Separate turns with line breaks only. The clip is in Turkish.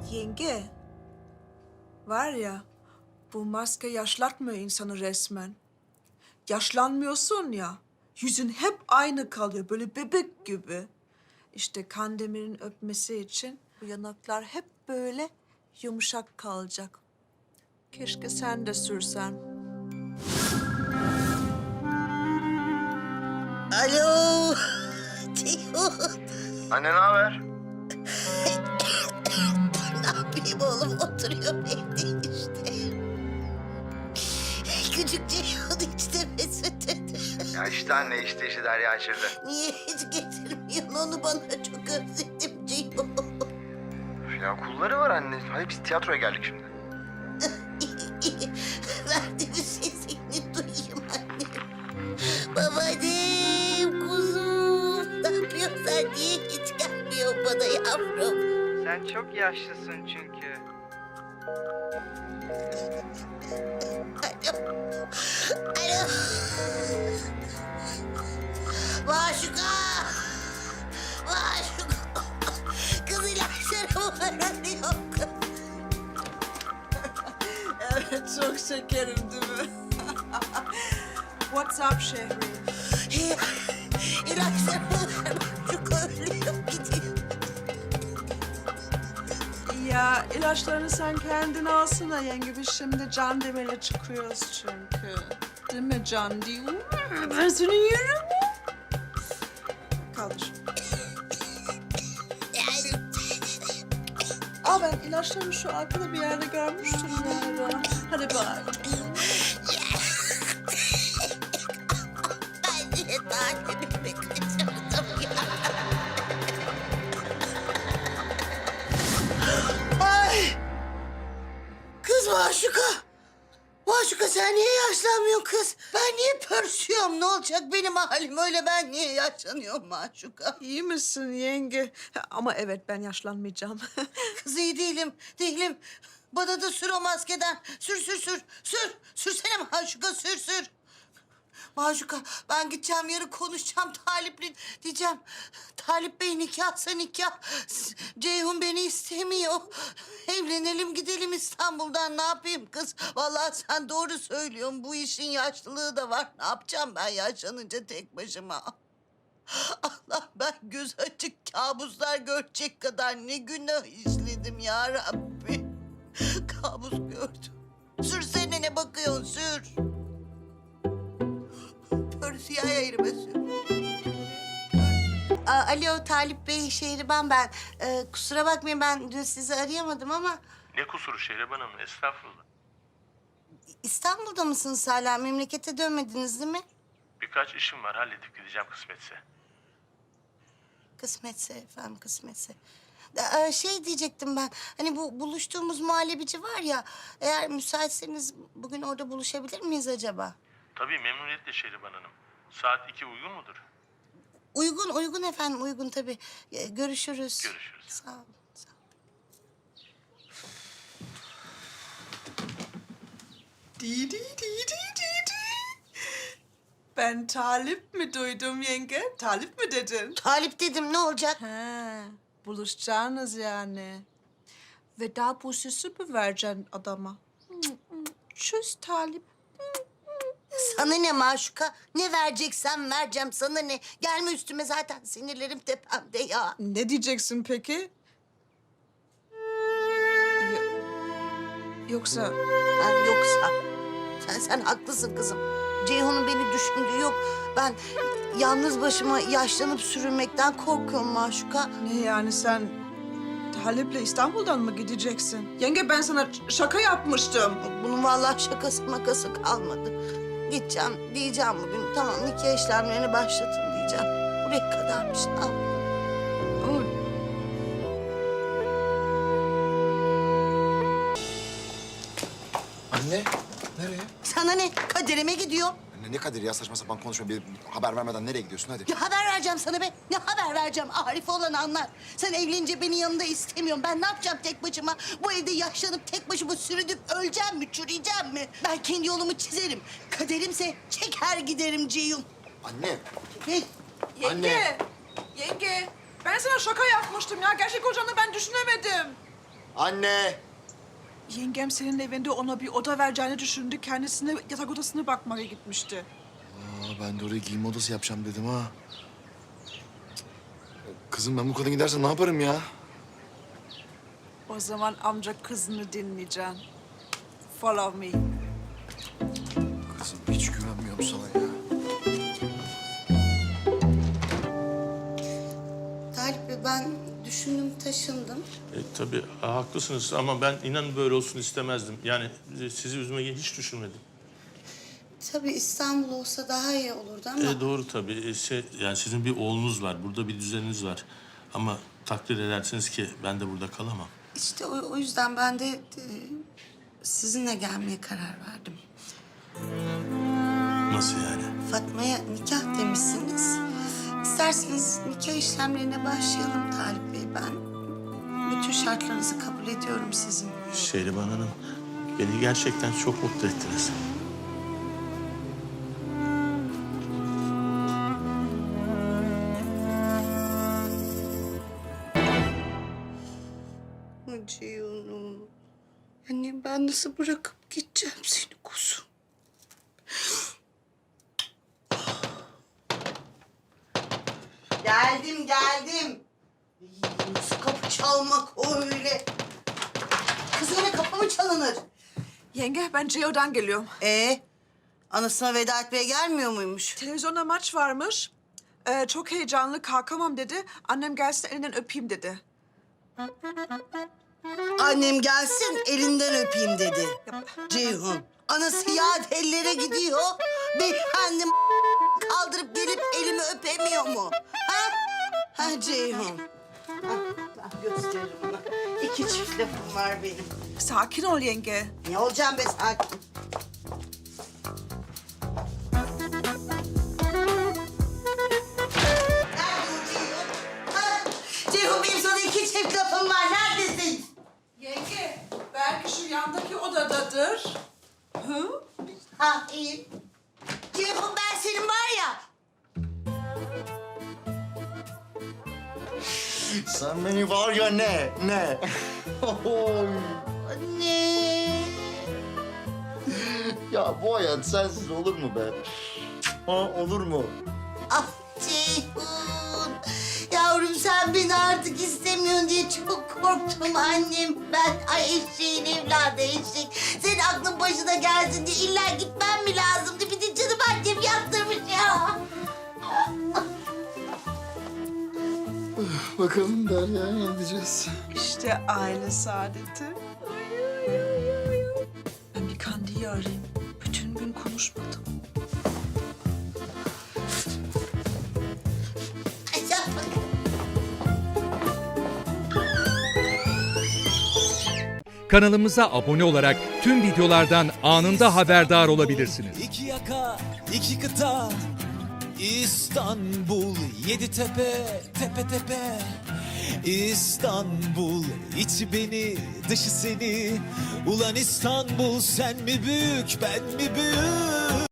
Yenge, var ya, bu maske yaşlatmıyor insanı resmen. Yaşlanmıyorsun ya, yüzün hep aynı kalıyor, böyle bebek gibi. İşte Kandemir'in öpmesi için bu yanaklar hep böyle yumuşak kalacak. Keşke sen de sürsen.
Alo. Ceyhun.
Anne ne haber?
Ne yapayım oğlum? Oturuyorum evde işte. Küçük Ceyhun işte Mesut.
Ya işte anne işte Derya içeride.
Niye hiç getirmiyorsun onu bana? Çok özledim Ceyhun.
Ya kulları var anne. Hayır biz tiyatroya geldik şimdi.
İyi. Verdiğimiz sesini duyayım annem. Babaannem, kuzum. Ne yapıyorsun sen? Niye hiç gelmiyorsun bana yavrum?
Sen çok yaşlısın çünkü.
Alo. Alo. Maşuka. Maşuka. Kız ilaçlarımı öğreniyor.
Evet, çok şekerim değil mi? What's up Şehri?
İlaçlarımı ver. Maşuka ölüyor gidiyor.
Ya ilaçlarını sen kendin alsana yenge. Biz şimdi Can Demir'le çıkıyoruz çünkü. Değil mi Can diyor? Ben seni yerim. Kaldır. Aa ben ilaçlarını şu arkada bir yerde görmüştüm galiba. Hadi bak.
Ben niye takibimi kaçırdım ya? Ay! Kız Maşuka! Maşuka sen niye yaşlanmıyorsun kız? Ben niye pörsüyorum? Ne olacak benim halim öyle ben niye yaşlanıyorum Maşuka?
İyi misin yenge? Ama evet ben yaşlanmayacağım.
Kız iyi değilim. Bana da sür o maskeden. Sür. Sürsene Maşuka, sür. Maşuka, ben gideceğim yarın konuşacağım Talip'le. Diyeceğim, Talip Bey nikahsa nikah. Ceyhun beni istemiyor. Evlenelim gidelim İstanbul'dan. Ne yapayım kız? Vallahi sen doğru söylüyorsun. Bu işin yaşlılığı da var. Ne yapacağım ben yaşlanınca tek başıma? Allah ben göz açık kabuslar görecek kadar ne günah işledim ya Rabbi. Kabus gördüm. Sürsene ne bakıyorsun sür. Pörsüya yerime sür. Alo Talip Bey, Şehriban ben. Kusura bakmayın ben dün sizi arayamadım ama...
Ne kusuru Şehriban Hanım, estağfurullah.
İstanbul'da mısınız hala? Memlekete dönmediniz değil mi?
Birkaç işim var, halledip gideceğim kısmetse.
Kısmetse efendim, kısmetse. Şey diyecektim ben, hani bu buluştuğumuz muhallebici var ya... ...eğer müsaitseniz bugün orada buluşabilir miyiz acaba?
Tabii memnuniyetle Şehriban Hanım. Saat 2 uygun mudur?
Uygun efendim, uygun tabii. Görüşürüz.
Görüşürüz.
Sağ olun, sağ olun.
Di. Ben Talip mi duydum yenge? Talip mi dedin?
Talip dedim, ne olacak?
He, buluşacağınız yani. Veda bursesi mi vereceksin adama? Çöz Talip.
Sana ne Maşuka? Ne vereceksen vereceğim, sana ne? Gelme üstüme zaten sinirlerim tepemde ya.
Ne diyeceksin peki? Yoksa...
Yoksa sen haklısın kızım. Ceyhun'un beni düşündüğü yok. Ben yalnız başıma yaşlanıp sürünmekten korkuyorum Maşuka.
Ne yani sen Talip'le İstanbul'dan mı gideceksin? Yenge ben sana şaka yapmıştım.
Bunun vallahi şakası makası kalmadı. Gideceğim diyeceğim bugün. Tamam nikah işlemlerini başlatın diyeceğim. Buraya kadarmış. Al.
Ama
Anne, nereye?
Sana ne? Kaderime gidiyor.
Anne ne Kadir ya saçma sapan konuşma. Bir haber vermeden nereye gidiyorsun hadi.
Ne haber vereceğim sana be? Ne haber vereceğim? Arif olan anlar. Sen evlenince beni yanında istemiyorsun. Ben ne yapacağım tek başıma? Bu evde yaşlanıp tek başıma sürünüp öleceğim mi, çürüyeceğim mi? Ben kendi yolumu çizerim. Kaderimse çeker giderim Ceyhun.
Anne.
Ne?
yenge, yenge ben sana şaka yapmıştım ya. Gerçek olacağını ben düşünemedim.
Anne!
Yengem senin evinde ona bir oda vereceğini düşündü. Kendisine yatak odasına bakmaya gitmişti.
Ben de oraya giyinme odası yapacağım dedim ha. Kızım ben bu kadın giderse ne yaparım ya?
O zaman amca kızını dinleyeceksin. Follow me.
Kızım hiç güvenmiyorum sana ya.
Talip Bey ben düşündüm taşındım.
Tabii haklısınız ama ben inan böyle olsun istemezdim. Yani sizi üzmeyi hiç düşünmedim.
Tabii İstanbul olsa daha iyi olurdu ama...
Doğru tabii. Yani sizin bir oğlunuz var, burada bir düzeniniz var. Ama takdir edersiniz ki ben de burada kalamam.
İşte o yüzden ben de sizinle gelmeye karar verdim.
Nasıl yani?
Fatma'ya nikah demişsiniz. İsterseniz nikah işlemlerine başlayalım Talip Bey. Ben bütün şartlarınızı kabul ediyorum sizin.
Şehriban Hanım, beni gerçekten çok mutlu ettiniz.
Ceyhun'um. Annem ben nasıl bırakıp gideceğim seni kuzum? Geldim. Nasıl kapı çalmak öyle? Kız öyle kapı mı çalınır?
Yenge ben Ceo'dan geliyorum.
Anasına veda etmeye gelmiyor muymuş?
Televizyonda maç varmış. Çok heyecanlı kalkamam dedi. Annem gelsin elinden öpeyim dedi.
Annem gelsin elinden öpeyim dedi. Ceyhun. Anası yad ellere gidiyor. Beyefendi kaldırıp gelip elimi öpemiyor mu? Ha Ceyhun. Ben gösteririm ona. 2 çift lafım var benim.
Sakin ol yenge.
Ne olacağım be sakin. Ceyhun benim sana 2 çift lafım var. Neredesin?
Yenge belki şu yandaki odadadır. Hı?
Ha iyi. Ceyhun ben senin var ya.
Sen beni var ya ne?
Anne.
Ya bu hayat sensiz olur mu be? Olur mu?
Ah Ceyhun. Yavrum sen beni artık istemiyorsun diye çok korktum annem. Ben eşeğin evladı eşek. Senin aklın başına gelsin diye illa gitmem mi lazımdı? Bir de canım annem yaptırmış ya.
Bakalım Derya ne edeceğiz?
İşte aile saadeti. Ben bir Kandi'yi arayayım. Bütün gün konuşmadım.
Kanalımıza abone olarak tüm videolardan anında haberdar olabilirsiniz.
İki yaka, iki kıta, İstanbul, 7 tepe, tepe tepe. İstanbul, içi beni, dışı seni. Ulan İstanbul, sen mi büyük, ben mi büyük?